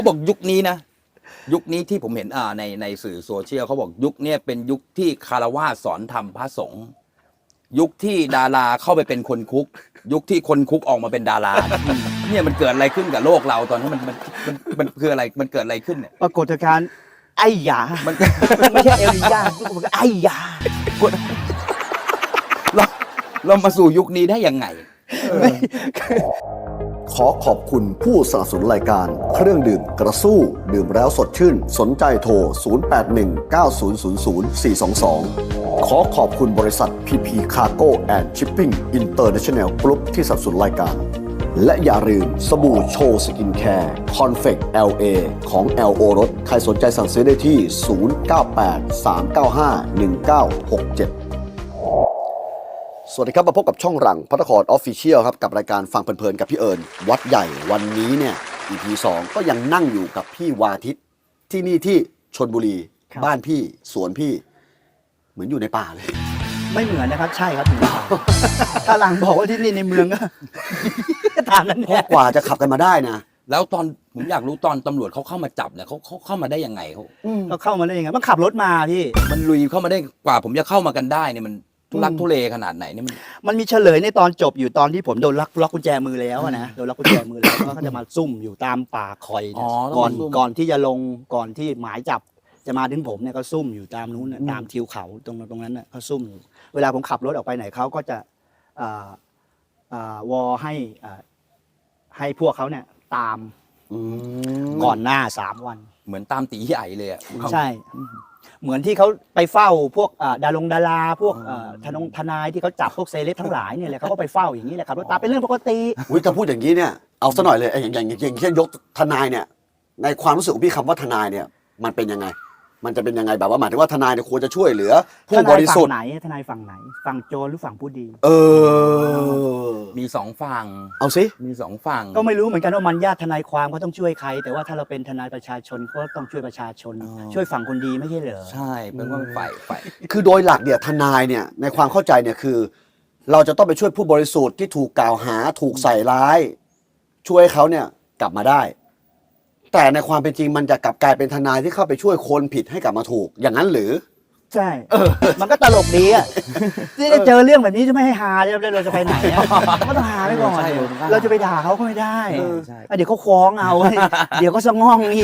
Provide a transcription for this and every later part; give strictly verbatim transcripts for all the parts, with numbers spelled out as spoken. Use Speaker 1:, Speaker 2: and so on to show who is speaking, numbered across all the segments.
Speaker 1: เขาบอกยุคนี้นะยุคนี้ที่ผมเห็นอ่าในในสื่อโซเชียลเขาบอกยุคนี้เป็นยุคที่คารวะสอนธรรมพระสงฆ์ยุคที่ดาราเข้าไปเป็นคนคุกยุคที่คนคุกออกมาเป็นดาราเนี่ยมันเกิดอะไรขึ้นกับโลกเราตอนนี้มันมันมันมันคืออะไรมันเกิดอะไรขึ้นเนี่ย
Speaker 2: ปรากฏการณ์ไอ้ยามันไม่ใช่เอลิยาทุกคนก็ไอ้ยา
Speaker 1: เราเรามาสู่ยุคนี้ได้ยังไง
Speaker 3: ขอขอบคุณผู้สนับสนุนรายการเครื่องดื่มกระสู้ดื่มแล้วสดชื่นสนใจโทรศูนย์ แปด หนึ่ง เก้า ศูนย์ ศูนย์ ศูนย์ สี่ สอง สองขอขอบคุณบริษัท พี พี Cargo and Shipping International Group ที่สนับสนุนรายการและอย่าลืมสบู่โชว์สกินแคร์คอนเฟก แอล เอ ของ แอล โอ รสใครสนใจสั่งซื้อได้ที่ ศูนย์ เก้า แปด สาม เก้า ห้า หนึ่ง เก้า หก เจ็ดสวัสดีครับมาพบกับช่องหลังพระนครออฟฟิเชียลครับกับรายการฟังเพลินๆกับพี่เอิญวัดใหญ่วันนี้เนี่ย อี พี สองก็ยังนั่งอยู่กับพี่วาทิตที่นี่ที่ชลบุรีบ้านพี่สวนพี่เหมือนอยู่ในป่าเลย
Speaker 2: ไม่เหมือนนะครับใช่ครับอยู่ในป่าถ้าหลังบอกว่าที่นี่ในเมืองก็ตามนั้นแหละ
Speaker 3: กว่าจะขับกันมาได้นะ
Speaker 1: แล้วตอนผมอยากรู้ตอนตำรวจเขาเข้ามาจับเนี่ยเขาเขาเข้ามาได้ยังไงเขา
Speaker 2: เขาเข้ามาได้ยังไงมันขับรถมาพี่
Speaker 1: มันลุยเข้ามาได้กว่าผมจะเข้ามากันได้เนี่ยมันทุลักทุเลขนาดไหนเนี่ยมัน
Speaker 2: มันมีเฉลยในตอนจบอยู่ตอนที่ผมโดนล็อกล็อกกุญแจมือแล้วนะโดนล็อกกุญแจมือแล้วก็จะมาซุ่มอยู่ตามป่าคอยก่อนก่อนที่จะลงก่อนที่หมายจับจะมาถึงผมเนี่ยก็ซุ่มอยู่ตามนู้นตามทิวเขาตรงตรงนั้นน่ะเขาซุ่มอยู่เวลาผมขับรถออกไปไหนเขาก็จะวอให้ให้พวกเขาเนี่ยตามก่อนหน้าสามวัน
Speaker 1: เหมือนตามตีใหญ่เลยอ่ะ
Speaker 2: ใช่เหมือนที่เขาไปเฝ้าพวกดารงดาราพวกทนงทนายที่เขาจับพวกเซเลบทั้งหลายเนี่ยแหละเขาก็ไปเฝ้าอย่างนี้แหละครับรถตามเป็นเรื่องปกติ
Speaker 3: อุ้ยถ้าพูดอย่างนี้เนี่ยเอาซะหน่อยเลยอย่างอย่างอย่างเช่นยกทนายเนี่ยในความรู้สึกของพี่คำว่าทนายเนี่ยมันเป็นยังไงมันจะเป็นยังไงแบบว่าหมายถึงว่าทนายเนี่ยควรจะช่วยเหลือผู้บริสุทธิ์
Speaker 2: ไหนทนายฝั่งไหนฝั่งโจรหรือฝั่งผู้ดี
Speaker 3: เออ
Speaker 1: มีสองฝั่ง
Speaker 3: เอาสิ
Speaker 1: มีสองฝั่ง
Speaker 2: ก็ไม่รู้เหมือนกันว่ามันญาติทนายความเขาต้องช่วยใครแต่ว่าถ้าเราเป็นทนายประชาชนก็ต้องช่วยประชาชนช่วยฝั่งคนดีไม่ใช่เหรอ
Speaker 1: ใช่เป็นว่าฝ่ายฝ่าย
Speaker 3: คือโดยหลักเนี่ยทนายเนี่ยในความเข้าใจเนี่ยคือเราจะต้องไปช่วยผู้บริสุทธิ์ที่ถูกกล่าวหาถูกใส่ร้ายช่วยเขาเนี่ยกลับมาได้แต่ในความเป็นจริงมันจะกลับกลายเป็นทนายที่เข้าไปช่วยคนผิดให้กลับมาถูกอย่างนั้นหรือ
Speaker 2: ใช่มันก็ตลกดีอ่ะที่ได้เจอเรื่องแบบนี้จะไม่ให้ฮาแล้วเราจะไปไหนอ่ะก็ต้องฮาไปก่อนเราจะไปด่าเขาก็ไม่ได้เดี๋ยวเขาฟ้องเอาเดี๋ยวก็สะง่องอีก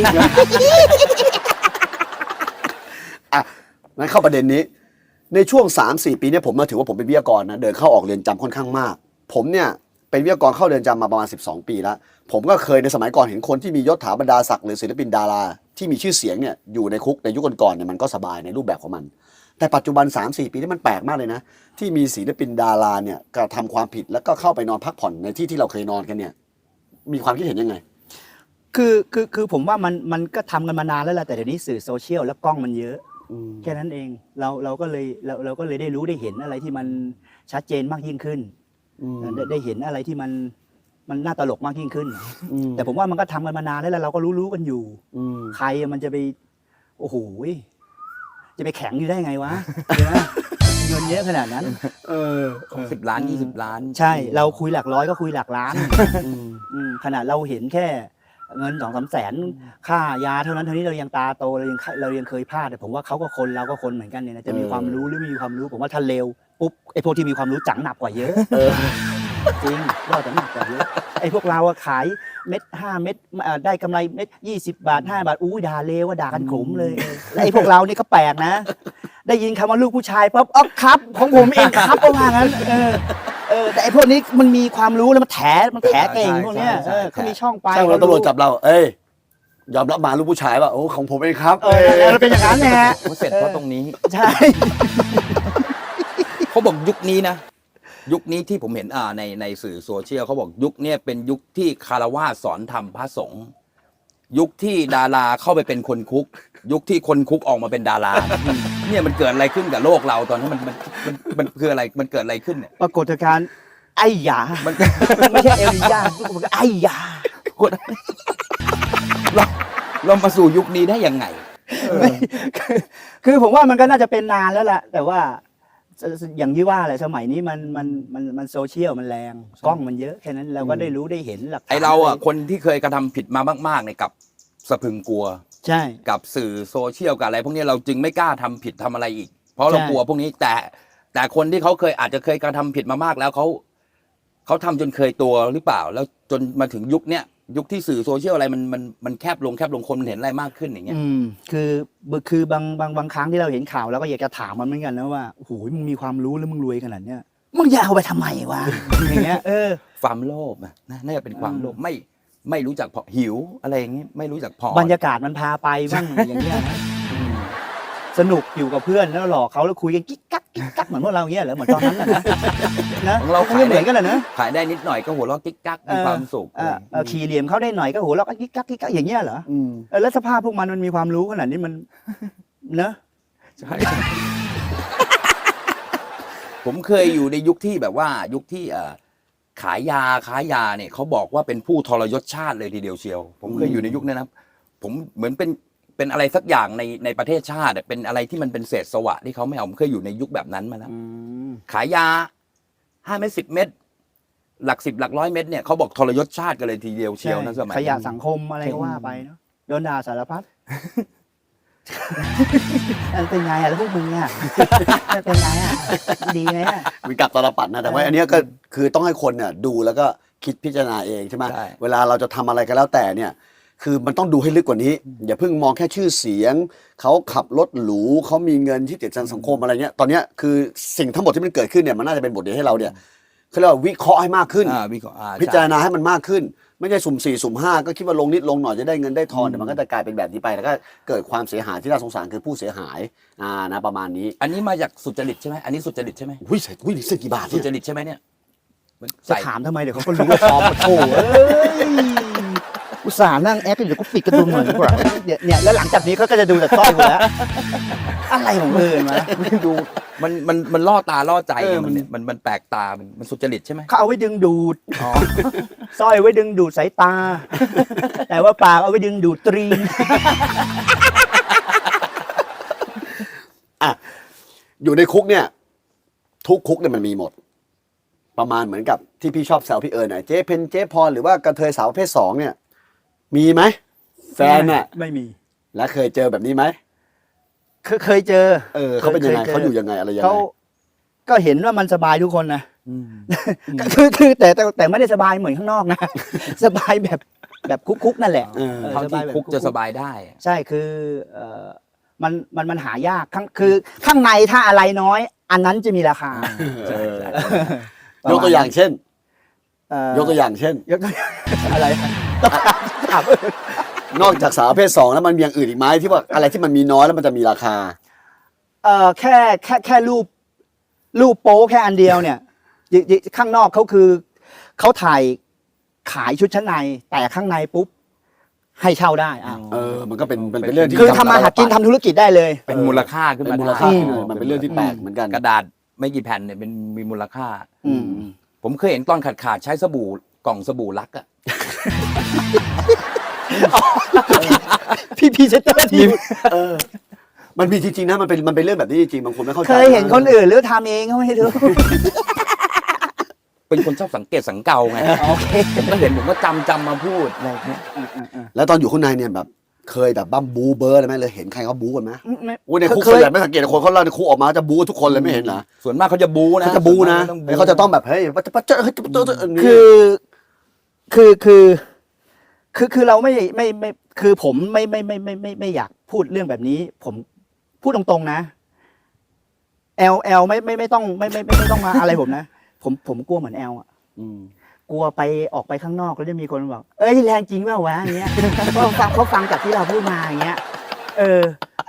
Speaker 3: อ่ะงั้นเข้าประเด็นนี้ในช่วง สามสี่ ปีเนี่ยผมมาถือว่าผมเป็นวิทยากรนะเดินเข้าออกเรือนจำค่อนข้างมากผมเนี่ยเป็นวิทยากรเข้าเรือนจำมาประมาณสิบสองปีแล้วผมก็เคยในสมัยก่อนเห็นคนที่มียศถาบรรดาศักดิ์หรือศิลปินดาราที่มีชื่อเสียงเนี่ยอยู่ในคุกในยุคก่อนๆเนี่ยมันก็สบายในรูปแบบของมันแต่ปัจจุบัน สามสี่ ปีนี่มันแปลกมากเลยนะที่มีศิลปินดาราเนี่ยกระทำความผิดแล้วก็เข้าไปนอนพักผ่อนในที่ที่เราเคยนอนกันเนี่ยมีความคิดเห็นยังไง
Speaker 2: คือคือคือผมว่ามันมันก็ทำกันมานานแล้วแหละแต่เดี๋ยวนี้สื่อโซเชียลและกล้องมันเยอะแค่นั้นเองเราเราก็เลยเราเราก็เลยได้รู้ได้เห็นอะไรที่มันชัดเจนมากยิ่งขึ้นได้ได้เห็นอะไรที่มันมันน่าตลกมากยิ่งขึ้นแต่ผมว่ามันก็ทำกันมานานแล้วเราก็รู้รู้กันอยู่ใครมันจะไปโอ้โหจะไปแข็งอยู่ได้ไงวะเงินเยอะขนาดนั้น
Speaker 1: เออสิบล้านยี่สิบล้าน
Speaker 2: ใช่เราคุยหลักร้อยก็คุยหลักล้านขนาดเราเห็นแค่เงินสองสามแสนค่ายาเท่านั้นเท่านี้เรายังตาโตเรายังเรายังเคยพลาดแต่ผมว่าเขาก็คนเราก็คนเหมือนกันเนี่ยนะจะมีความรู้หรือไม่มีความรู้ผมว่าถ้าเร็วปุ๊บไอ้พวกที่มีความรู้จังหนักกว่าเยอะจริงเราจะหนักกว่าเยอะไอ้พวกเราขายเม็ดห้าเม็ดได้กำไรเม็ดยี่สิบบาทห้าบาทอู้ด่าเลวว่าด่ากันขมเลยแล้วไอ้พวกเรานี่ก็แปลกนะได้ยินคำว่าลูกผู้ชายปั๊บอ๋อครับของผมเองครับประมาณนั้นเออเออแต่ไอ้พวกนี้มันมีความรู้แล้วมันแถมันแถเก่งพวกเนี้ยเออเขามีช่องไป
Speaker 3: ใช่เราตำรวจจับเราเอ้ยยอมรับมาลูกผู้ชายว่าโอ้ของผมเองครับ
Speaker 2: เออมันเป็นอย่างนั้นแหละ
Speaker 1: เสร็จเพราะตรงนี้
Speaker 2: ใช่
Speaker 1: เขาบอกยุคนี้นะยุคนี้ที่ผมเห็นอ่าในในสื่อโซเชียลเขาบอกยุคนี้เป็นยุคที่คารวะสอนธรรมพระสงฆ์ยุคที่ดาราเข้าไปเป็นคนคุกยุคที่คนคุกออกมาเป็นดาราเนี่ยมันเกิดอะไรขึ้นกับโลกเราตอนนี้มันมันมันมันคืออะไรมันเกิดอะไรขึ้นเนี่ย
Speaker 2: ปรากฏการณ์ไอ้ยามันไม่ใช่เอลิยาทุกคนก็ไอ้ยา
Speaker 1: เราเรามาสู่ยุคนี้ได้ยังไง
Speaker 2: คือผมว่ามันก็น่าจะเป็นนานแล้วแหละแต่ว่าอย่างที่ว่าแหละสมัยนี้มันมันมันมันโซเชียลมันแรงกล้องมันเยอะแค่นั้นเราก็ได้รู้ได้เห็นหลักฐาน
Speaker 1: ไอเราอ่ะคนที่เคยกระทำผิดมามากๆเนี่ยกับสะพรึงกลัว
Speaker 2: ใช่
Speaker 1: กับสื่อโซเชียลกับอะไรพวกนี้เราจึงไม่กล้าทำผิดทำอะไรอีก เพราะเรา
Speaker 2: ใช่
Speaker 1: กลัวพวกนี้แต่แต่คนที่เขาเคยอาจจะเคยกระทำผิดมามากแล้วเขาเขาทำจนเคยตัวหรือเปล่า แล้วจนมาถึงยุคเนี้ยยุคที่สื่อโซเชียลอะไรมันมันมันแคบลงแคบลงคนมันเห็นอะไรมากขึ้นอย่างเงี้ย
Speaker 2: อืมคือคือบางบางบางครั้งที่เราเห็นข่าวเราก็อยากจะถามมันเหมือนกันนะว่าโอ้โหมึงมีความรู้แล้วมึงรวยขนาดเนี้ยมึงอยากเอาไปทำไมวะ อย่างเงี้ยเออ
Speaker 1: ความโลภอะนะน่าจะเป็นความโลภไม่ไม่รู้จักพอหิวอะไรอย่างงี้ไม่รู้จักพอบ
Speaker 2: รรยากาศมันพาไปบ้างอย่างเงี้ยนะอืมสนุกอยู่กับเพื่อนแล้วหลอกเขาแล้วคุยกันกิ๊กกักกิ๊กกักเหมือนพวกเราเงี้ยเหรอเหมือนตอนนั้นน่ะนะนะ
Speaker 1: ของเรา
Speaker 2: คง
Speaker 1: ขาย
Speaker 2: จะเห
Speaker 1: ได้
Speaker 2: มือนกันแหละนะ
Speaker 1: ขายได้นิดหน่อยก็หัวเราะกิ๊กกักมีความสุข
Speaker 2: เออเออขี่เหลี่ยมเขาได้หน่อยก็โหเราก็กิ๊กกักกิ๊กกักอย่างเงี้ยเหรอ
Speaker 3: อืม
Speaker 2: เออแล้วสภาพพวกมันมันมีความรู้ขนาดนี้มัน เนอะ
Speaker 1: ใช่ ผมเคยอยู่ในยุคที่แบบว่ายุคที่เอ่อขายยาค้ายาเนี่ยเขาบอกว่าเป็นผู้ทรยศชาติเลยทีเดียวเชียว ผมเคยอยู่ในยุคนั้นนะครับ ผมเหมือนเป็นเป็นอะไรสักอย่างในในประเทศชาติอะเป็นอะไรที่มันเป็นเศษสวะที่เขาไม่เอาผมเคยอยู่ในยุคแบบนั้นมาแล้ว
Speaker 3: อืม
Speaker 1: ขายยาห้าเม็ดสิบเม็ดหลักสิบหลักร้อยเม็ดเนี่ยเขาบอกทรยศชาติกันเลยทีเดียวเชียวนะสมัย
Speaker 2: ขยะ
Speaker 1: นั้น
Speaker 2: สังคมอะไรก็ว่าไปเนาะโดนด่าสารพัด อันเป็นไงอะแล้วพวกมึงอะเป็นไงอะดีไหมอะ
Speaker 3: มีกับตลปัดนะแต่ว่าอันเนี้ยก็คือต้องให้คนเนี่ยดูแล้วก็คิดพิจารณาเองใช่ไหม
Speaker 1: ใช่
Speaker 3: เวลาเราจะทำอะไรก็แล้วแต่เนี่ย คือมันต้องดูให้ลึกกว่านี้ อย่าเพิ่งมองแค่ชื่อเสียงเขาขับรถหรูเขามีเงินที่ติดสังคมอะไรเงี้ยตอนเนี้ยคือสิ่งทั้งหมดที่มันเกิดขึ้นเนี่ยมันน่าจะเป็นบทเรียนให้เราเนี่ยเขาเรียกว่าวิเคราะห์ให้มากขึ้น
Speaker 1: อ่าวิเคราะห์อ่า
Speaker 3: พิจาร
Speaker 1: ใช่
Speaker 3: ณาให้มันมากขึ้น ไม่ใช่สุ่มสี่สุ่มห้าก็คิดว่าลงนิดลงหน่อยจะได้เงินได้ทอนแต่มันก็จะกลายเป็นแบบนี้ไปแล้วก็เกิดความเสียหายที่น่าสงสารคือผู้เสียหายอ่านะประมาณนี้
Speaker 1: อันนี้มาจากสุจริตใช่ไหมอันนี้สุจริตใช่ไหม
Speaker 3: อุ้ยใส่อุ้ยเสื้อกี่บาท
Speaker 1: สุ
Speaker 3: เนี่ย
Speaker 1: จริตใช่ไหมเนี่ยมัน
Speaker 2: จะ
Speaker 1: ใส่
Speaker 2: ถามทำไมเดี๋ยวเขาก็รู้ว่าพร้อมมาโถเอ้ยอุตส่าห์นั่งแอคเดี๋ยวกูปิดกระดุมเหมือนกูเนี่ยเนี่ยแล้วหลังจากนี้เขาก็จะดูแต่สร้อยกูแล้วอะไรของเอิญมา
Speaker 1: ไม่ดูมันมันมันล่อตาล่อใจ
Speaker 3: เออ
Speaker 1: ไงมันเนี่ยมันมันแปลกตามันมันสุจริตใช่ไหม
Speaker 2: เขาเอาไว้ดึงดูดสร้อยไว้ดึงดูดสายตา แต่ว่าปากเอาไว้ดึงดูดตรีน
Speaker 3: อ่ะอยู่ในคุกเนี่ย ทุกคุกเนี่ยมันมีหมด ประมาณเหมือนกับที่พี่ชอบแซวพี่เอิญน่ะเจ๊เพนเจ๊พรหรือว่ากระเทยสาวประเภทสองเนี่ย มีไหมแฟนน่ะ
Speaker 2: ไม่มี
Speaker 3: แล้วเคยเจอแบบนี้ไหม
Speaker 2: เคยเคยเจอ
Speaker 3: เออเขาเป็นยังไง
Speaker 2: คจ
Speaker 3: เขาอยู่ยังไงอะไรยังไง
Speaker 2: เขาก็เห็นว่ามันสบายทุกคนนะคือคือแต่แต่แต่ไม่ได้สบายเหมือนข้างนอกนะ สบายแบบแบบคุกๆนั่นแหละ
Speaker 3: เออ
Speaker 2: เออ
Speaker 1: เท่า
Speaker 2: ส
Speaker 1: ที่
Speaker 2: บายแบบ
Speaker 1: คุกจะสบายได้อะ
Speaker 2: ใช่คือเออมันมันมันหายากข้างคือข้างในถ้าอะไรน้อย อันนั้นจะมีราคา
Speaker 3: เออยกตัวอย่างเช่น
Speaker 2: เอ่อย
Speaker 3: กตัวอย่างเช่น
Speaker 2: ยกตัวอย่างอะไรต้องถามถาม
Speaker 3: นอกจากสาวประเภทสองแล้วมันมีอย่างอื่นอีกไหมที่ว่าอะไรที่มันมีน้อยแล้วมันจะมีราคา
Speaker 2: เออแค่แค่แค่รูปรูปโป๊แค่อันเดียวเนี่ยยิยิข้างนอกเขาคือเขาถ่ายขายชุดชั้นใน แต่ข้างในปุ๊บ ให้เช่าได้อ่ะ
Speaker 3: เออ มันก็เป็นมันเป็นเรื่องที่
Speaker 2: คือทำมาหากินทำธุรกิจได้เลย
Speaker 1: เป็นมูลค่าขึ้น
Speaker 3: เป็น
Speaker 1: มา
Speaker 3: มูล
Speaker 1: ได้
Speaker 3: ค่าขึ้นมามันเป็นเรื่องที่แปลกเหมือนกัน
Speaker 1: กระดาษไม่กี่แผ่นเนี่ยเป็นมีมูลค่า
Speaker 2: อืม
Speaker 1: ผมเคยเห็นตอนขาดขาดๆใช้สบู่กล่องสบู่ลักอะ
Speaker 2: พี่พีเซนเตอร์ทีม
Speaker 3: เออ มันมีจริงๆนะมันเป็นมันเป็นเรื่องแบบนี้จริงๆบางคนไม่เข้าใจ
Speaker 2: เคยเห็นคนอื่นหรือทำเองเขาไม่รู้
Speaker 1: เป็นคนชอบสังเกตสังเกาไง
Speaker 2: โอเค
Speaker 1: ผมก็เห็นผมก็จำจำมาพูดอะไรอย่างเงี้ย
Speaker 3: แล้วตอนอยู่ข้างในเนี่ยแบบ เคยแบบบ้าบูเบอร์อะไรไหมเลยเห็นใครเขาบูกันไหม
Speaker 2: ไม่
Speaker 3: โอ้ยในคุก
Speaker 2: เค
Speaker 3: ส่วย นใหญ่ไม่สังเกตคนเขาเล่าในคุกออกมาจะบูกันทุกคนเลยไม่เห็นเหรอ
Speaker 1: ส่วนมากเขาจะบูนะ
Speaker 3: เขาจะบูนะ
Speaker 1: ส่วมก
Speaker 3: แล้วเขาจะต้องแบบเฮ้ยปัจจุบันเจอเฮ้ยเจอเจอเจอ
Speaker 2: คือคือคือคือคือเราไม่ไม่ไม่คือผมไม่ไม่ไม่ไม่ไม่ไม่อยากพูดเรื่องแบบนี้ ผมพูดตรงๆนะแอลแอลไม่ไม่ไม่ต้องไม่ไม่ไม่ไม่ต้องมาอะไรผมนะผมผมกลัวเหมือนแอลอ่ะ
Speaker 3: อืม
Speaker 2: กลัวไปออกไปข้างนอกแล้วจะมีคนบอกเอ้ยแรงจริงเปล่าวะอย่างเงี้ย เพราะฟังเขาฟังจากที่เราพูดมาอย่างเงี้ย เออ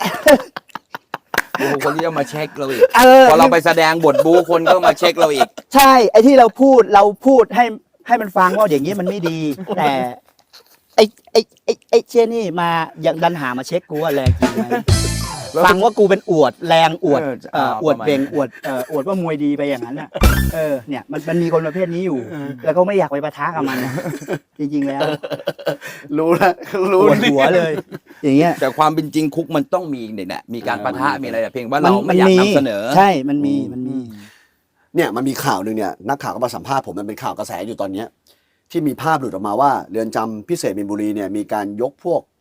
Speaker 1: บูคนที่จะมาเช็คเราอีก
Speaker 2: เออ
Speaker 1: พอเราไปแสดงบทบูคนก็มาเช็คเราอีก
Speaker 2: ใช่ ไอ้ที่เราพูดเราพูดให้ให้มันฟังว่าอย่างนี้มันไม่ดี แต่ไอ้ไอ้ไอ้ไอ้เช่นนี่มาอย่างดันหามาเช็คกูว่าแรงจริงไหม
Speaker 1: แล้ว
Speaker 2: ฟังว่ากูเป็นอวดแรงอวด
Speaker 1: เออ
Speaker 2: เอ่อ
Speaker 1: เอา
Speaker 2: อวด
Speaker 1: ประมาณ
Speaker 2: เบ่งอวดเอ่ออวดว่ามวยดีไปอย่างนั้นน่ะเออเนี่ยมันมันมีคนประเภทนี้อยู่ แล้วก็ไม่อยากไปปะทะกับมันนะจริงๆแล้ว
Speaker 3: รู้แล้ว
Speaker 2: ป
Speaker 3: รู้
Speaker 2: วดหัวเลย อย่างเงี้ย
Speaker 1: แต่ความเป็นจริงคุกมันต้องมีเนี่ยแหละมีการปะทะมีอะไรแต่เพียงว่าเรา
Speaker 2: มั
Speaker 1: ไม่อยากนำเสนอ
Speaker 2: ใช่มันมีมันมี
Speaker 3: เนี่ยมันมีข่าวหนึ่งเนี่ยนักข่าวก็มาสัมภาษณ์ผมมันเป็นข่าวกระแสอยู่ตอนเนี้ยที่มีภาพหลุดออกมาว่าเรือนจำพิเศษมีนบุรีเนี่ยมีการยกพวก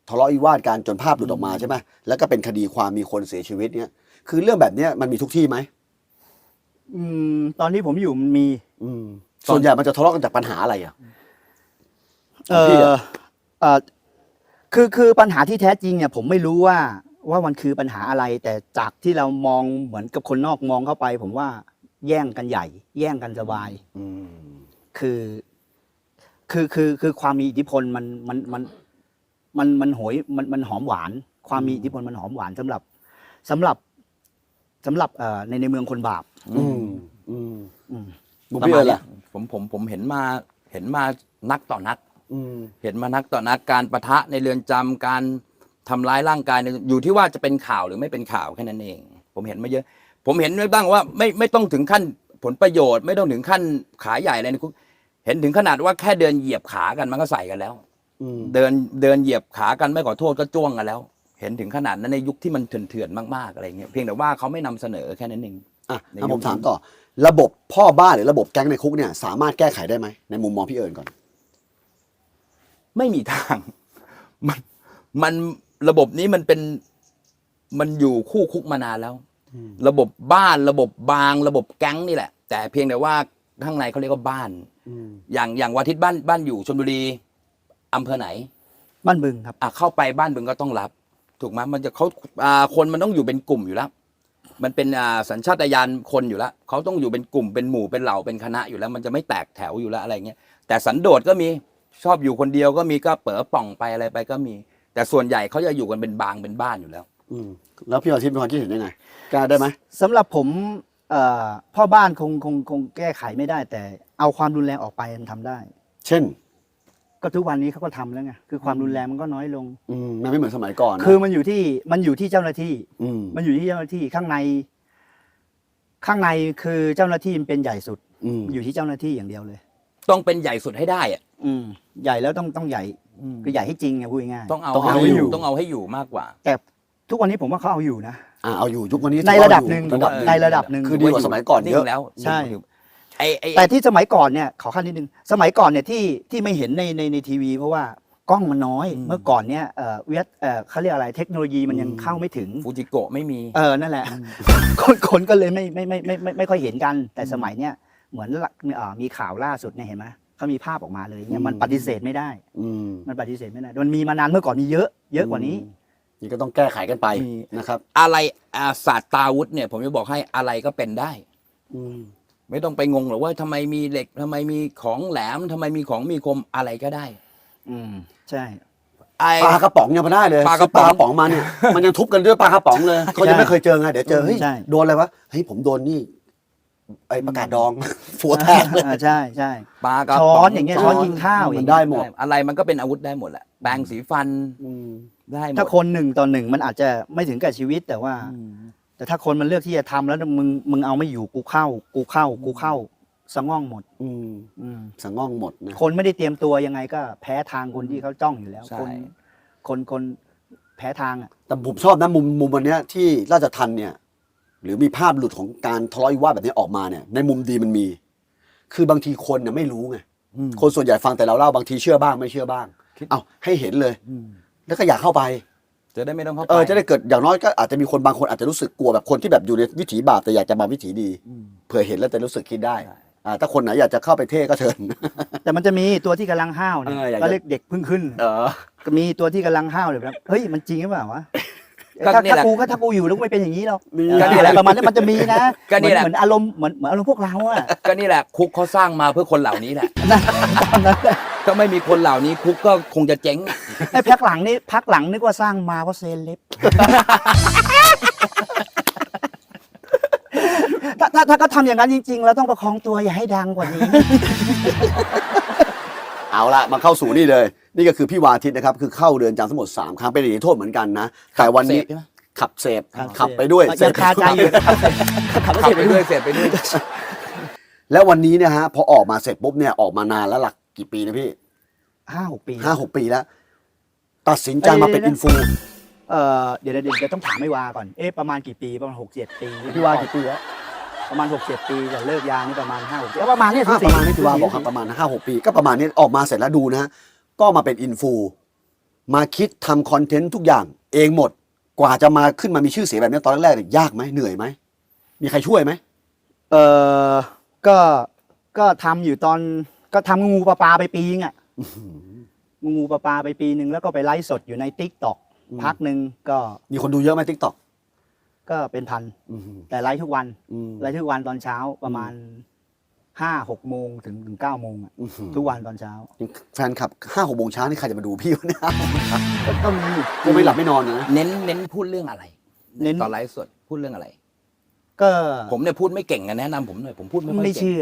Speaker 3: ทะเลาะวิวาทกันจนภาพหลุดออกมาใช่ไหมแล้วก็เป็นคดีความมีคนเสียชีวิตเนี่ยคือเรื่องแบบเนี้ยมันมีทุกที่ไหม
Speaker 2: อืมตอนที่ผมอยู่มันมี
Speaker 3: อืมส่วนใหญ่มันจะทะเลาะกันจากปัญหาอะไรอ่ะ
Speaker 2: เอ
Speaker 3: ของพี่
Speaker 2: อ
Speaker 3: อะ
Speaker 2: เออคือคือปัญหาที่แท้จริงเนี่ยผมไม่รู้ว่าว่ามันคือปัญหาอะไร แต่จากที่เรามองเหมือนกับคนนอกมองเข้าไป ผมว่าแย่งกันใหญ่ แย่งกันสบาย
Speaker 3: อืม
Speaker 2: คือคือคือคือความมีอิทธิพลมันมันมันมันมันโหยมันมันหอมหวาน ความมีอิทธิพลมันหอมหวานสำหรับสำหรับสำหรับเอ่อในในเมืองคนบาป
Speaker 3: อืมอืม
Speaker 2: อืม
Speaker 3: มุม
Speaker 1: ประ
Speaker 3: พี่
Speaker 1: มา
Speaker 3: เอิ
Speaker 1: ณ
Speaker 3: ญ
Speaker 1: เนี้
Speaker 3: ล่ะ
Speaker 1: ยผมผมผมเห็นมาเห็นมานักต่อนัก
Speaker 3: อืม
Speaker 1: เห็นมานักต่อนักการประทะในเรือนจำการทำร้ายร่างกายเนี่ยอยู่ที่ว่าจะเป็นข่าวหรือไม่เป็นข่าวแค่นั้นเอง ผมเห็นมาเยอะ ผมเห็นไว้บ้างว่าไม่ไม่ต้องถึงขั้นผลประโยชน์ ไม่ต้องถึงขั้นขาใหญ่อะไรในคุกเห็นถึงขนาดว่าแค่เดินเหยียบขากันมันก็ใส่กันแล้ว
Speaker 3: อืม
Speaker 1: เดินเดินเหยียบขากันไม่ขอโทษก็จ้วงกันแล้ว เห็นถึงขนาดนั้นในยุคที่มันเถื่อนๆมากๆอะไรเงี้ยเพียงแต่ว่าเขาไม่นำเสนอแค่นั้นเอง
Speaker 3: อ่ะ
Speaker 1: ใน
Speaker 3: ถ้า
Speaker 1: ยุ
Speaker 3: ผ
Speaker 1: ค
Speaker 3: มถามต่อ ระบบพ่อบ้านหรือระบบแก๊งในคุกเนี่ยสามารถแก้ไขได้ไหมในมุมมองพี่เอิญก่อน
Speaker 1: ไม่มีทาง มันมันระบบนี้มันเป็นมันอยู่คู่คุกมานานแล้ว ระบบบ้านระบบบางระบบแก๊งนี่แหละ แต่เพียงแต่ว่าข้างในเขาเรียกว่าบ้าน อย่างอย่างวาทิตบ้านบ้านอยู่ชลบุรีอำเภอไหน
Speaker 2: บ้านบึงครับ
Speaker 1: อ่ะเข้าไปบ้านบึงก็ต้องรับ ถูกไหมมันจะเขาอ่าคนมันต้องอยู่เป็นกลุ่มอยู่แล้ว มันเป็นอ่าสัญชาตญาณคนอยู่แล้วเขาต้องอยู่เป็นกลุ่มเป็นหมู่เป็นเหล่าเป็นคณะอยู่แล้ว มันจะไม่แตกแถวอยู่แล้วอะไรเงี้ยแต่สันโดษก็มีชอบอยู่คนเดียวก็มีก็เป๋อป่องไปอะไรไปก็มี แต่ส่วนใหญ่เขาจะอยู่กันเป็นบางเป็นบ้านอยู่แล้ว
Speaker 3: อืมแล้วพี่อาทิตย์มีความคิดเห็นยังไงกล้าได้ไหม
Speaker 2: สำหรับผมเอ่อพ่อบ้านคงคงคงแก้ไขไม่ได้ แต่เอาความรุนแรงออกไปมันทำได้
Speaker 3: เช่น
Speaker 2: ก็ทุกวันนี้เขาก็ทำแล้วไงคือความรุนแรงมันก็น้อยลง
Speaker 3: อืมมันไม่เหมือนสมัยก่อนนะ
Speaker 2: คือมันอยู่ที่มันอยู่ที่เจ้าหน้าที่
Speaker 3: อืม
Speaker 2: มันอยู่ที่เจ้าหน้าที่ข้างใน ข้างในคือเจ้าหน้าที่มันเป็นใหญ่สุด
Speaker 3: อืม
Speaker 2: อยู่ที่เจ้าหน้าที่อย่างเดียวเลย
Speaker 1: ต้องเป็นใหญ่สุดให้ได้อะ
Speaker 2: อืมใหญ่แล้วต้องต้องใหญ่คือใหญ่ให้จริงไงพูดง่ายๆ
Speaker 1: ต้องเอา
Speaker 3: ต้องเอา
Speaker 1: ให้
Speaker 3: ให้
Speaker 1: อ
Speaker 3: อยู่
Speaker 1: ยู่ต้องเอาให้อยู่มากกว่า
Speaker 2: แต่ทุกวันนี้ผมว่าเขาเอาอยู่นะ
Speaker 3: อ่าเอาอยู่ยุควันนี้
Speaker 2: ในระดับหนึ่ง
Speaker 3: ระดับหนึ่ง
Speaker 2: ในระดับหนึ่ง
Speaker 3: คือดีกว่าสมัยก่อนเยอะ
Speaker 1: งแล้ว
Speaker 2: ใช่
Speaker 1: ไอไอ
Speaker 2: แต่ที่สมัยก่อนเนี่ยขอขั้นนิดนึงสมัยก่อนเนี่ยที่ที่ไม่เห็นในในในทีวี เพราะว่ากล้องมันน้อย เมื่อก่อนเนี่ยเอ่อเวียดเอ่อเขาเรียกอะไรเทคโนโลยีมันยังเข้าไม่ถึง
Speaker 1: ฟูจิโกะไม่มี
Speaker 2: เออนั่นแหละ คนคนก็เลยไม่ไม่ไม่ไม่ไม่ไม่ค่อยเห็นกัน แต่สมัยเนี้ยเหมือนละเอ่อมีข่าวล่าสุดเนี่ยเห็นไหมเขามีภาพออกมาเลยเนี่ยมันปฏิเสธไม่ได้
Speaker 3: อืม
Speaker 2: มันปฏิเสธไม่ได้มันมีมานานเมื่อก่อนมีเยอะ เยอะกว่านี้
Speaker 3: นี่ก็ต้องแก้ไขกันไป
Speaker 1: มี
Speaker 3: นะครับ
Speaker 1: อะไรอาศาสตราวุธเนี่ย ผมจะบอกให้อะไรก็เป็นได้
Speaker 3: อืม
Speaker 1: ไม่ต้องไปงงหรอกว่าทำไมมีเหล็กทำไมมีของแหลมทำไมมีของมีคมอะไรก็ได้
Speaker 2: อืมใช่
Speaker 1: ไอ
Speaker 3: ปลากระป๋องยังไม่ได้เลย
Speaker 1: ปลากระป๋อง
Speaker 3: ซื้ปลากระป๋องมาเนี่ย มันยังทุบกันด้วยปลากระป๋องเลยเขายังไม่เคยเจอไงเดี๋ยวเจอเฮ้ย
Speaker 2: ใช่
Speaker 3: โดนอะไรวะเฮ้ยผมโดนนี่ไอ้ประกาศดอง ฟัวแทกเลย
Speaker 2: อ่าใช่ใช่
Speaker 1: ปลากระ
Speaker 2: ช้
Speaker 1: ป๋
Speaker 2: อนอย่างเงี้ยช้อนกินข้าวอย่าง
Speaker 3: มันได้
Speaker 2: เงี้ย
Speaker 3: หมด
Speaker 1: อะไรมันก็เป็นอาวุธได้หมดแหละแปรงสีฟัน
Speaker 3: อืม
Speaker 1: ได้หมด
Speaker 2: ถ้าคนหนึ่งต่อหนึ่งมันอาจจะไม่ถึงกับชีวิตแต่ว่า
Speaker 1: อืม
Speaker 2: แต่ถ้าคนมันเลือกที่จะทำแล้วมึงมึงเอาไม่อยู่กูเข้า กูเข้า กูเข้าสะง่องหมด
Speaker 3: อืม
Speaker 2: อืม
Speaker 3: สังง่องหมดนะ
Speaker 2: คนไม่ได้เตรียมตัวยังไงก็แพ้ทางคนที่เขาจ้องอยู่แล้ว
Speaker 1: ใช่
Speaker 2: คนคนคนแพ้ทางอ่ะ
Speaker 3: แต่ผมชอบนะมุมมุมวันเนี้ยที่ราชทัณฑ์เนี่ย หรือมีภาพหลุดของการทะเลาะวิวาทแบบนี้ออกมาเนี่ย ในมุมดีมันมี คือบางทีคนเนี่ยไม่รู้ไง
Speaker 1: อืม
Speaker 3: คนส่วนใหญ่ฟังแต่เราเล่าบางทีเชื่อบ้างไม่เชื่อบ้าง
Speaker 1: คิด
Speaker 3: เอาให้เห็นเลย
Speaker 1: อืม
Speaker 3: แล้วก็อยากเข้าไป
Speaker 1: จะได้ไม่ต้องเข้าไป
Speaker 3: เออจะได้เกิดอย่างน้อยก็อาจจะมีคนบางคนอาจจะรู้สึกกลัวแบบคนที่แบบอยู่ในวิถีบาปแต่อยากจะมาวิถีดี
Speaker 1: อืม
Speaker 3: เผื่อเห็นแล้วจะรู้สึกคิดได้
Speaker 1: ใช่
Speaker 3: อ่าถ้าคนไหนอยากจะเข้าไปเท่ก็เชิญ
Speaker 2: แต่มันจะมีตัวที่กำลังห้าวเนี่ย
Speaker 3: เอออยากจะ
Speaker 2: ก็เรียกเด็กเพิ่งขึ้น
Speaker 3: เออ
Speaker 2: ก็มีตัวที่กำลังห้าวเลยครับเฮ้ยมันจริงหรือเปล่าวะ
Speaker 1: ก็
Speaker 2: ถ้า
Speaker 1: นี่
Speaker 2: ถ้า
Speaker 1: แหละ
Speaker 2: กูก็ถ้ากูอยู่แล้วกูไม่เป็นอย่างนี้หรอก
Speaker 3: นี่
Speaker 1: ก็นี่แหละ
Speaker 2: ประมาณนี้มันจะมีนะ
Speaker 1: ก็นี่แหละ
Speaker 2: เหมือนเหมือนอารมณ์เหมือนเหมือนอารมณ์พวกเราอะ
Speaker 1: ก็นี่แหละคุกเขาสร้างมาเพื่อคนเหล่านี้แหละ
Speaker 2: ตอนนั้นแหละ
Speaker 1: ถ้าไม่มีคนเหล่านี้คุกก็คงจะเจ๊ง
Speaker 2: ไอ้พักหลังนี่พักหลังนึกว่าสร้างมาเพราะเซเลบ ถ้าถ้าถ้าก็ทำอย่างนั้นจริงๆเราต้องประคองตัวอย่าให้ดังกว่านี้
Speaker 3: เอาละมาเข้าสู่นี่เลย นี่ก็คือพี่วาทิตนะครับ คือเข้าเรือนจำทั้งหมดสามครั้งเป็นอย่างนี้โทษเหมือนกันนะ แต่วันนี้
Speaker 1: เสพใช่ไหม
Speaker 3: ขับเสพ
Speaker 2: ขับ
Speaker 3: ขับไปด้วย
Speaker 2: ยังคาใจอยู่นะครับขับรถ
Speaker 1: ขับ
Speaker 2: เสร็จ
Speaker 1: ไป
Speaker 2: ไป
Speaker 1: เรื่
Speaker 2: ด้
Speaker 1: อ
Speaker 2: วย ย
Speaker 1: เสร็จไปเรื่อย
Speaker 3: แล้ววันนี้เนี่ยฮะพอออกมาเสร็จปุ๊บเนี่ยออกมานานแล้วหลักกี่ปีนะพี่
Speaker 2: ห้าหกปี
Speaker 3: ห้าหกปีแล้ว ตัดสินใจมาเป็นอินฟู
Speaker 2: เอ่อเดี๋ยวเดี๋ยวเดี๋ยวต้องถามไม่วาก่อนเอ๊ะประมาณกี่ปีประมาณหกเจ็ดปี
Speaker 3: พี่วากี่ปีแล้ว
Speaker 2: ประมาณหกเจ็ดปีแต่เลิกยานี่ประมาณห้าหกปีประมาณเนี้ย
Speaker 3: อ่ะประมาณนี้พี่วาบอกครับประมาณห้าหกปีก็ประมาณนี้ออกมาเสร็จแล้วดูนะฮะก็มาเป็นอินฟูมาคิดทำคอนเทนต์ทุกอย่างเองหมด กว่าจะมาขึ้นมามีชื่อเสียงแบบนี้ตอนแรกๆเนี่ยยากไหมเหนื่อยไหมมีใครช่วยไหม
Speaker 2: เออก็ ก็ทำอยู่ตอน ก็ทำงูปลาปลาไปปีนึงอ่ะ งูปลาปลาไปปีหนึ่งแล้วก็ไปไลฟ์สดอยู่ในติ๊กต็อกพักหนึ่งก็
Speaker 3: มีคนดูเยอะไหมทิกตอก
Speaker 2: ก็เป็นพัน แต่ไลฟ์ทุกวัน ไลฟ์ทุกวันตอนเช้าประมาณห้าหกโมงถึงถึงเก้าโมงอ่ะ ทุกวันตอนเช้า
Speaker 3: แฟนคลับห้าหกโมงเช้านี่ใครจะมาดูพี่วะเนี่ย
Speaker 2: ก็ก็มี
Speaker 3: กูไม่หลับไม่นอนนะ
Speaker 1: เน้นเน้นพูดเรื่องอะไร
Speaker 2: เน้น
Speaker 1: ตอนไลฟ์สดพูดเรื่องอะไร
Speaker 2: ก็
Speaker 1: ผมเนี่ยพูดไม่เก่งอะแนะนำผมหน่อยผมพูดไม่ค่อย
Speaker 2: ไม่
Speaker 1: เก่ง
Speaker 2: เชื่อ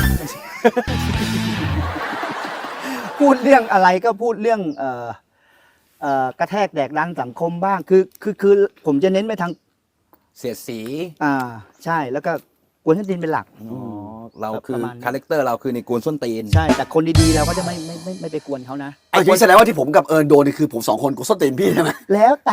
Speaker 2: พูดเรื่องอะไรก็พูดเรื่อง เอ่อเอ่อกระแทกแดกดันสังคมบ้าง คือ คือ คือ ผมจะเน้นไปทาง
Speaker 1: เสียดสี
Speaker 2: อ่า ใช่ แล้วก็กวนส้นตีนเป็นหลัก
Speaker 1: อ๋อเราคือ
Speaker 2: ประมาณนั้น
Speaker 1: คาแรคเตอร์เราคือในกวนส้นตีน
Speaker 2: ใช่ แต่คนดีๆเราก็จะไม่ไม่ไม่ไม่ไปกวนเขานะ
Speaker 3: ไอ้ที่แสดงว่าที่ผมกับเอิญโดนนี่คือผมสองคนกูส้นตีนพี่ใช่ไหม
Speaker 2: แล้วแต่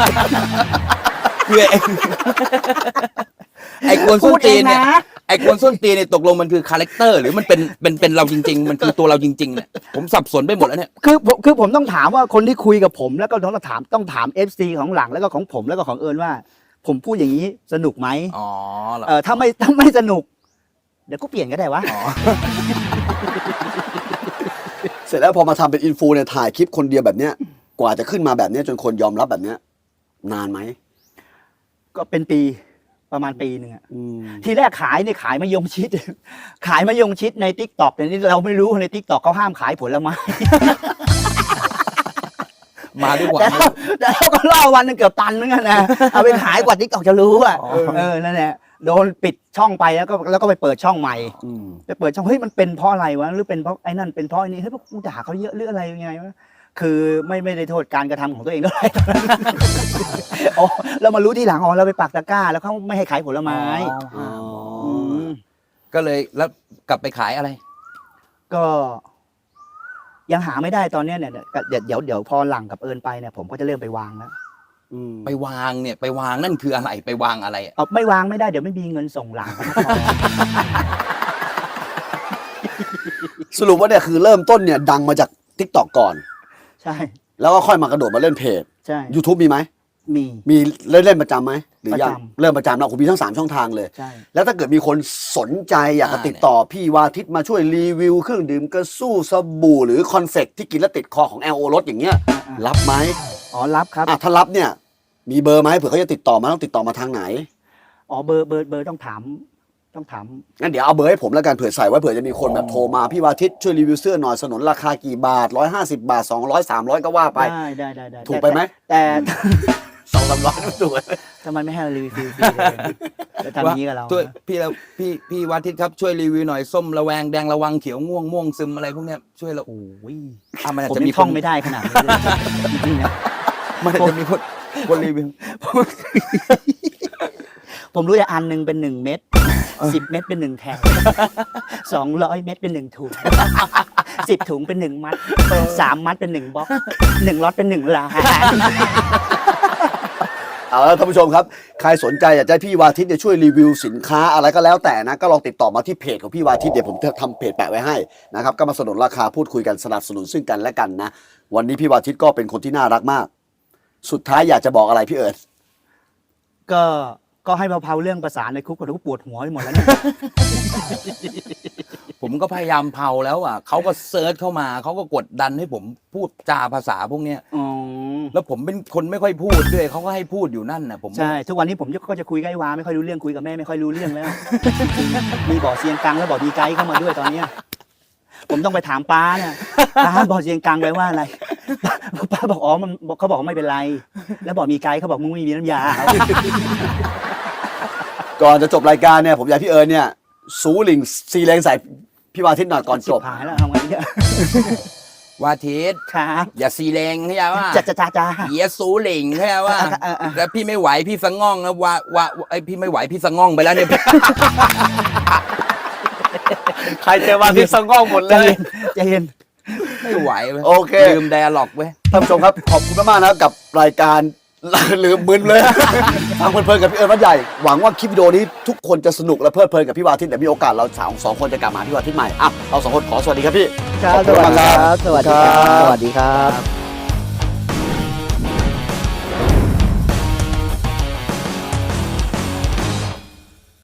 Speaker 1: คือไอ้ ไอ้กวนส้นตีนเนี่ย
Speaker 2: พูดเองนะ
Speaker 1: ไอ้กวนส้นตีนเนี่ยตกลงมันคือคาแรคเตอร์หรือมันเป็นเป็นเป็นเราจริง ๆ มันคือตัวเราจริงๆเนี่ยผมสับสนไปหมดแล้วเนี่ย
Speaker 2: คือผมคือผมต้องถามว่าคนที่คุยกับผมแล้วก็ต้องถามต้องถาม เอฟ ซี ของหลังแล้วก็ของผมแล้วก็ของเอิญว่า ผมพูดอย่างนี้สนุกไหม
Speaker 1: อ๋อเหรอ
Speaker 2: เออถ้าไม่ถ้าไม่สนุก เดี๋ยวก็เปลี่ยนก็ได้วะ
Speaker 1: อ๋อ
Speaker 3: เสร็จแล้วพอมาทำเป็นอินฟูเนี่ยถ่ายคลิปคนเดียวแบบเนี้ยกว่าจะขึ้นมาแบบเนี้ยจนคนยอมรับแบบเนี้ยนานไหม
Speaker 2: ก็เป็นปีประมาณปีหนึ่งอะทีแรกขายเนี่ยขายมะยงชิด ขายมะยงชิดในทิกตอกแต่นี่เราไม่รู้ในทิกตอกเขาห้ามขายผลไม้
Speaker 1: มาด้วยความ
Speaker 2: แต่เราแต่เราก็ล่อวันหนึงเกือบตันเหมือนกันนะเอาไปขายกว่าทิกตอกจะรู้อ่ะเออนั่นแหละโดนปิดช่องไปแล้วก็แล้วก็ไปเปิดช่องใหม่
Speaker 3: อืม
Speaker 2: ไปเปิดช่องเฮ้ยมันเป็นเพราะอะไรวะหรือเป็นเพราะไอ้นั่นเป็นเพราะไอ้นี่เฮ้ยพวกกูด่าเขาเยอะหรืออะไรยังไงวะคือไม่ไม่ได้โทษการกระทำของตัวเองเท่าไหร่ อ๋อเรามารู้ทีหลังอ๋อเราไปปักตะกร้า แล้วเขาไม่ให้ขายผลไม้
Speaker 3: อ๋อ
Speaker 2: ม
Speaker 1: ก็เลยแล้วกลับไปขายอะไร
Speaker 2: ก็ยังหาไม่ได้ตอนเนี้ยเนี่ยเดี๋ยวเดี๋ยวเดี๋ยวพอหลังกับเอิญไปเนี่ยผมก็จะเริ่มไปวางแล้ว
Speaker 3: อืม
Speaker 1: ไปวางเนี่ยไปวางนั่นคืออะไรไปวางอะไรอะ
Speaker 2: เอาไม่วางไม่ได้เดี๋ยวไม่มีเงินส่งหลัง
Speaker 3: สรุปว่าเนี่ยคือเริ่มต้นเนี่ยดังมาจากทิกตอกก่อน
Speaker 2: ใช่
Speaker 3: แล้วก็ค่อยมากระโดดมาเล่นเพจ
Speaker 2: ใช่
Speaker 3: YouTube มีไหม
Speaker 2: มี
Speaker 3: มีเล่นเล่นประจำไหมหรือยัง
Speaker 2: ประจำ
Speaker 3: เริ่มประจำแล้วผมมีทั้งสามช่องทางเลย
Speaker 2: ใช่
Speaker 3: แล้วถ้าเกิดมีคนสนใจอยากจะติดต่อพี่วาทิตมาช่วยรีวิวเครื่องดื่มกระสู้สบู่หรือคอนเฟกที่กินแล้วติดคอของ แอล โอ รสอย่างเงี้ยรับไหม
Speaker 2: อ๋อรับครับ
Speaker 3: อ่ะถ้ารับเนี่ยมีเบอร์ไหมเผื่อเขาจะติดต่อมาต้องติดต่อมาทางไหน
Speaker 2: อ๋อเบอร์เบอร์เบอร์ต้องถามต้องถาม
Speaker 3: งั้นเดี๋ยวเอาเบอร์ให้ผมแล้วกันเผื่อใส่ไว้เผื่อจะมีคนแบบโทรมาพี่วาทิตช่วยรีวิวเสื้อหน่อยสนนราคากี่บาทร้อยห้าสิบบาทสองร้อยสามร้อยก็ว่าไป
Speaker 2: ได้ได้ได้ได้
Speaker 3: ถูกไปไหม
Speaker 2: แต่
Speaker 3: สองสามร้อยถูกไหม
Speaker 2: ทำไมไม่ให้รีวิวฟรีๆเลยจะทำอย่างนี้กับเรา
Speaker 1: ช่วย
Speaker 2: นะ
Speaker 1: พี่เราพี่พี่วาทิตครับช่วยรีวิวหน่อยส้มระแวงแดงระวังเขียวง่วงม่วงซึมอะไรพวกเนี้ยช่วยเราโอ้ยอ่ะมันอาจ
Speaker 2: ผม
Speaker 1: จะ
Speaker 2: ยั
Speaker 1: มี
Speaker 2: ง
Speaker 1: ค
Speaker 2: ท่อน งไม่ได้ขนาดนี้เลยจริงๆนะ
Speaker 1: มันอาจจะมีคนคนรีวิว
Speaker 2: ผมรู้แต่อันหนึ่งเป็นหนึ่งเม็ดสิบเม็ดเป็นหนึ่งแท่งสองร้อยเม็ดเป็นหนึ่งถุงสิบถุงเป็นหนึ่งมัดสามมัดเป็นหนึ่งบล็อกหนึ่งล็อตเป็นหนึ่งล้าน
Speaker 3: เอาละท่านผู้ชมครับใครสนใจอยากจะให้พี่วาทิตเนี่ยช่วยรีวิวสินค้าอะไรก็แล้วแต่นะก็ลองติดต่อมาที่เพจของพี่วาทิตเดี๋ยวผมจะทำเพจแปะไว้ให้นะครับก็มาสนุนราคาพูดคุยกันสนับสนุนซึ่งกันและกันนะวันนี้พี่วาทิตก็เป็นคนที่น่ารักมาก สุดท้ายอยากจะบอกอะไรพี่เอิร์ธ
Speaker 2: ก็ก็ให้เผาๆเรื่องภาษาในคุกกับทุกปวดหัวไปหมดแล้วเนี่ย
Speaker 1: ผมก็พยายามเผาแล้วอ่ะเขาก็เซิร์ชเข้ามาเขาก็กดดันให้ผมพูดจาภาษาพวกเนี้ย
Speaker 2: อ๋อ
Speaker 1: แล้วผมเป็นคนไม่ค่อยพูดด้วยเขาก็ให้พูดอยู่นั่นน่ะผม
Speaker 2: ใช่ทุกวันนี้ผมก็จะคุยกับไอ้วาไม่ค่อยรู้เรื่องคุยกับแม่ไม่ค่อยรู้เรื่องแล้ว มีบ่อเซียงกังแล้วบ่อดีไกด์เข้ามาด้วยตอนเนี้ยผมต้องไปถามป้าเนี่ยป้าบ่อเซียงกังแปลว่าอะไรป้าบอกอ๋อมันเขาบอกไม่เป็นไร แล้วบอกมีไกด์เขาบอกมึงไม่มีน้ำยา
Speaker 3: ก่อนจะจบรายการเนี่ยผมอยากให้พี่เอิร์ธเนี่ยสูหลิงซีแรงใส่พี่วาทิตหน่อยก่อนจบ
Speaker 2: หายแล้วทำไงเนี่ย
Speaker 1: วาทิต
Speaker 2: ครับ
Speaker 1: อย่าซีเลงใช่ไหมว่า
Speaker 2: จ้าจ้าจ้าจ้า
Speaker 1: เหี้ยสูหลิงใช่ไหมว่า
Speaker 2: เออเออ
Speaker 1: แล้วพี่ไม่ไหวพี่สะง่องนะว่าว่าไอพี่ไม่ไหวพี่สะง่องไปแล้วเนี่ย
Speaker 3: ใครเจอวาทิตสะง่องหมด
Speaker 2: ใจ
Speaker 3: เลย
Speaker 2: เย็นใจเย็น
Speaker 1: ไม่ไหวเว้ย
Speaker 3: โอเค
Speaker 1: ลืมไดอะล็อกเว้ย
Speaker 3: ท่านผู้ชมครับขอบคุณมากๆนะครับกับรายการ ลืมมึนเลย ทางเพลินๆกับพี่เอิร์ธวัดใหญ่หวังว่าคลิปวิดีโอนี้ทุกคนจะสนุกและเพลิดเพลินกับพี่วาทิตแต่มีโอกาสเราสองสองคนจะกลับมาที่วาทิตใหม่อ่ะเราสองคนขอสวัสดีครับพี่
Speaker 2: ครับ
Speaker 3: ขอบคุณมากครับ
Speaker 2: สวัสดีครับ สวัสดีครับ